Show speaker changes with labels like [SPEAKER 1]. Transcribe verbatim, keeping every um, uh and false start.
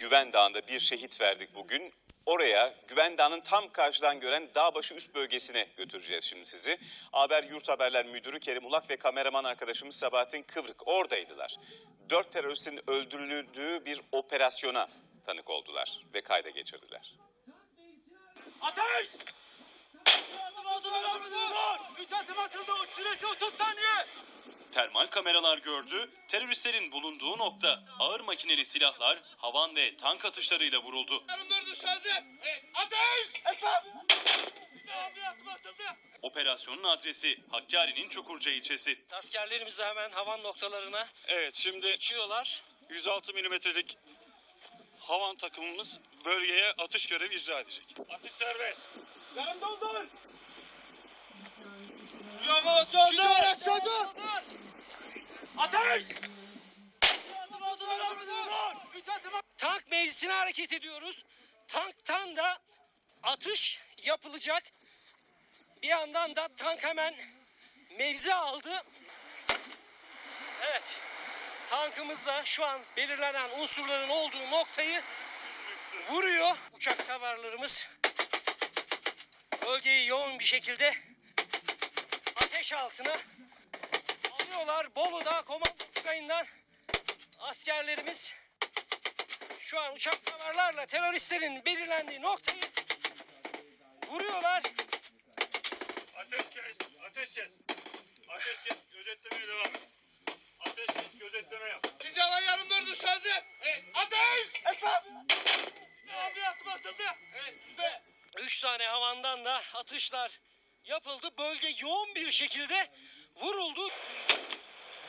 [SPEAKER 1] Güven Dağı'nda bir şehit verdik bugün. Oraya Güven Dağı'nın tam karşıdan gören Dağbaşı üst bölgesine götüreceğiz şimdi sizi. Haber Yurt Haberler Müdürü Kerim Ulak ve kameraman arkadaşımız Sabahattin Kıvrık oradaydılar. Dört teröristin öldürüldüğü bir operasyona tanık oldular ve kayda geçirdiler.
[SPEAKER 2] Ateş! üç adım atıldı, uç süresi otuz saniye.
[SPEAKER 3] Termal kameralar gördü, teröristlerin bulunduğu nokta ağır makineli silahlar, havan ve tank atışlarıyla vuruldu.
[SPEAKER 2] Evet, ateş! Hesap!
[SPEAKER 3] Operasyonun adresi Hakkari'nin Çukurca ilçesi.
[SPEAKER 4] Askerlerimiz de hemen havan noktalarına
[SPEAKER 3] Evet, şimdi
[SPEAKER 4] uçuyorlar.
[SPEAKER 3] yüz altı milimetrelik havan takımımız bölgeye atış görevi icra edecek.
[SPEAKER 2] Atış serbest. Yarım doldur. Ateş!
[SPEAKER 4] Tank mevzisine hareket ediyoruz. Tanktan da atış yapılacak. Bir yandan da tank hemen mevzi aldı. Evet. Tankımız da şu an belirlenen unsurların olduğu noktayı vuruyor. Uçak savarlarımız bölgeyi yoğun bir şekilde ateş altına alıyorlar. Bolu'da komando tugayından askerlerimiz şu an uçak savarlarla teröristlerin belirlendiği noktayı vuruyorlar.
[SPEAKER 2] Ateş kes, ateş kes. Ateş kes, gözetlemeye devam et. Ateş kes, gözetleme yap. İkinci hava yarım dördü hazır. Evet, ateş! Hesap! Abi atım atıldı. Evet, üstte.
[SPEAKER 4] Üç tane havandan da atışlar yapıldı. Bölge yoğun bir şekilde vuruldu.